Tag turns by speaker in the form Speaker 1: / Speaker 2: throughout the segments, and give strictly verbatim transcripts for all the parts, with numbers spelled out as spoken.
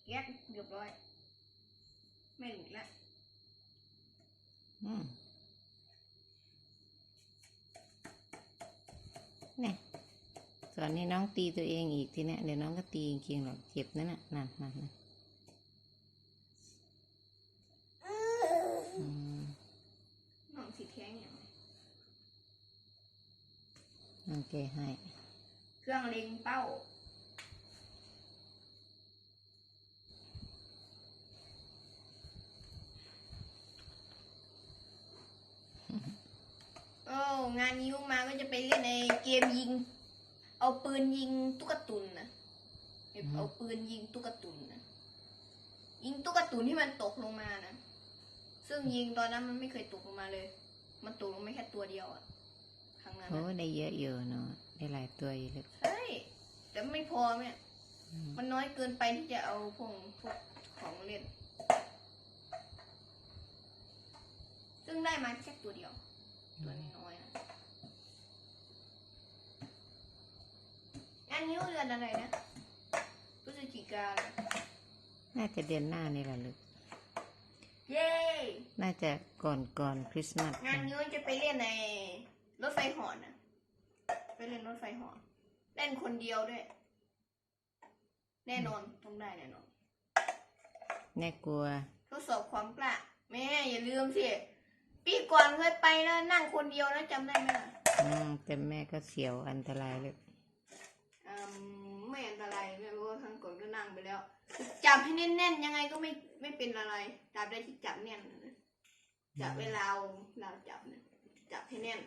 Speaker 1: แยกเรียบร้อยไม่หลุดละ
Speaker 2: อืมเนี่ยส่วนนี้น้องตีตัวเองอีกทีเนี้ยเดี๋ยวน้องก็ตีจริงๆหรอกเจ็บนั่นน่ะนั่นนั่นนั่น
Speaker 1: น้องสีแข็งอย่างไร
Speaker 2: โอเคให้
Speaker 1: เครื่องเล็งเป้าโอ้งานนิ้วมาก็จะไปเล่นในเกมยิงเอาปืนยิงตุ๊กตุนนะเอาปืนยิงตุ๊กตุนนะยิงตุ๊กตุนที่มันตกลงมานะซึ่งยิงตอนนั้นมันไม่เคยตกลงมาเลยมันตกลงไม่แค่ตัวเดียวอะครั้งนั้น
Speaker 2: โอ้ได้เยอะอยู่เนาะได้หลายตัวอยู่เลย
Speaker 1: ใช่แต่ไม่พอเนี่ยมันน้อยเกินไปที่จะเอาพวกพวกของเล่นซึ่งได้มาแค่ตัวเดียวตัวน้อยๆนะอันนี้เดือนอะไรนะพฤศจิกา
Speaker 2: น่าจะเดือนหน้านี่แหละลูก
Speaker 1: เย้
Speaker 2: น่าจะก่อนก่อนคริสต์มาส
Speaker 1: งานนี้จะไปเล่นในรถไฟเหาะนะไปเล่นรถไฟเหาะเล่นคนเดียวด้วยแน่นอนต้องได้แน่นอน
Speaker 2: แน่กลัว
Speaker 1: ทดสอบความกล้าแม่อย่าลืมสิปีก่อนเคยไปนะนั่งคนเดียวนะจำได้ไหม
Speaker 2: อืมแต่แม่ก็เสียวอันตรายเลย
Speaker 1: อืมไม่อันตรายแม่รู้ว่าครั้งก่อนก็นั่งไปแล้วจับให้แน่นๆยังไงก็ไม่ไม่เป็นอะไรจับได้ที่จับแน่นนะจับเวลาเราจับนะจับให้แน่น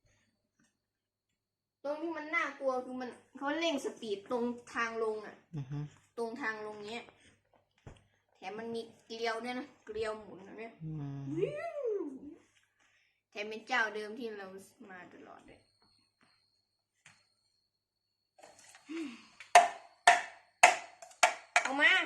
Speaker 1: ตรงที่มันน่ากลัวคือมันเขาเร่งสปีดตรงทางลงอ่ะตรงทางลงเนี้ยแถมมันมีเกลียวเนี่ยนะเกลียวหมุนเนี่ยแถมเป็นเจ้าเดิมที่เรามาตลอดเลยออกมา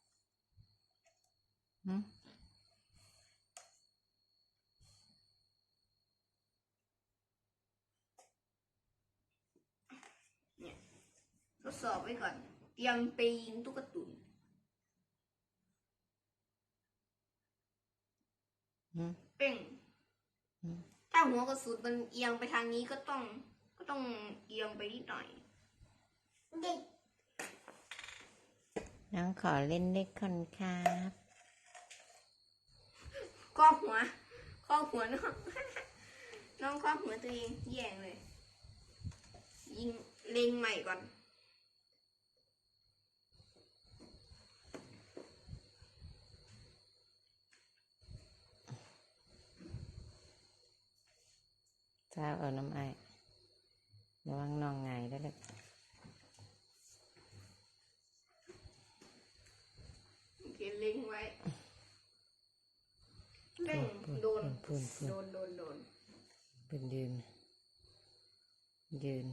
Speaker 1: เนี่ยทดสอบไว้ก่อนเตรียมไปยิงตุ๊กตุนเป้งถ้าหัวกระสุนมันเอียงไปทางนี้ก็ต้องก็ต้องเอียงไปนิดหน่อย
Speaker 2: น้องขอเล่นเล็กคนครับ
Speaker 1: ข้อหัวข้อหัวน้องน้องข้อหัวตัวเองแย่งเลยยิงเล็งใหม่ก่อน
Speaker 2: เจ้าเอาน้ำไอระวังนองไงได้เลย
Speaker 1: เล็งไว้เล็งโดนโดนโดนโดน
Speaker 2: เป็นยืนยืน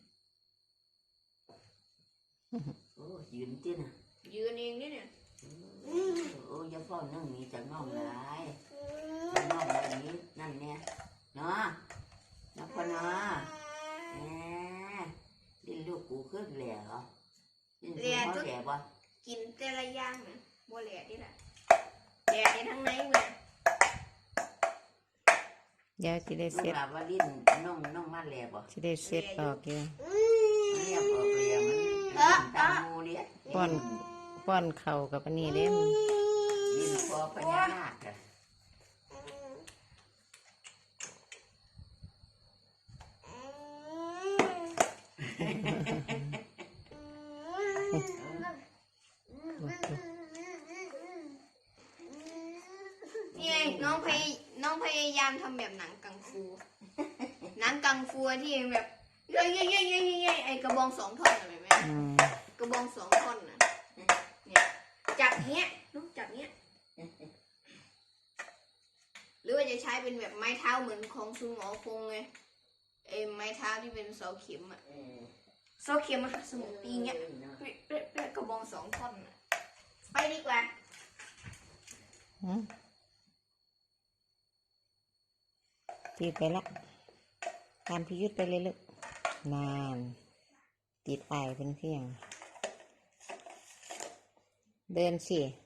Speaker 3: โอ้ยืนที่น่ะ
Speaker 1: ยืนเองนี่เนี่ย
Speaker 3: โอ้ยพ่อนั่งมีจะน้องหลายจะน้องแบบนี้นั่นเนี่ยเนาะนะพ่อเนาะแหมดิ้นลูกกูขึ้นแหล่เหรอดิ้นลูกเขาแหล่ปะ
Speaker 1: กินแต่ละอย่างนะบัวแหล่ที่ไหนแหล่ในทั้งไหนเว้ย
Speaker 2: เดี๋ยวจะได้เซ็ต
Speaker 3: ว่าดิ้นน้องน้องมาแหล่ปะ
Speaker 2: จะได้เซ็ตออกอยู่
Speaker 3: เรียบออกเลยมันตามูเนี่ย
Speaker 2: ป้อนป้อนเข่ากับอันนี้เด้ม
Speaker 3: ดิ้นคอพญานาคอะ
Speaker 1: นี่น้องพยน้องพยายามทำแบบหนังกังฟูหนังกังฟูที่แบบเย้ยเย้ยเย้ยเย้ยเย้ยไอกระบองสองท่อนอะไรไหมกระบองสองท่อนนะเนี่ยจับเนี้ยลูกจับเนี้ยหรือว่าจะใช้เป็นแบบไม้เท้าเหมือนของซุนหงอคงไงไอไม้เท้าที่เป็นเสาเข็มอะเสาเข็มอะสมุนตีเงี้ยเป๊ะเป๊ะเป๊ะกระบองสองท่อนไปดีกว่า
Speaker 2: ตีไปละตามพิยุทธไปเลยลูกนานติดไอเป็นเพียงเดินสิ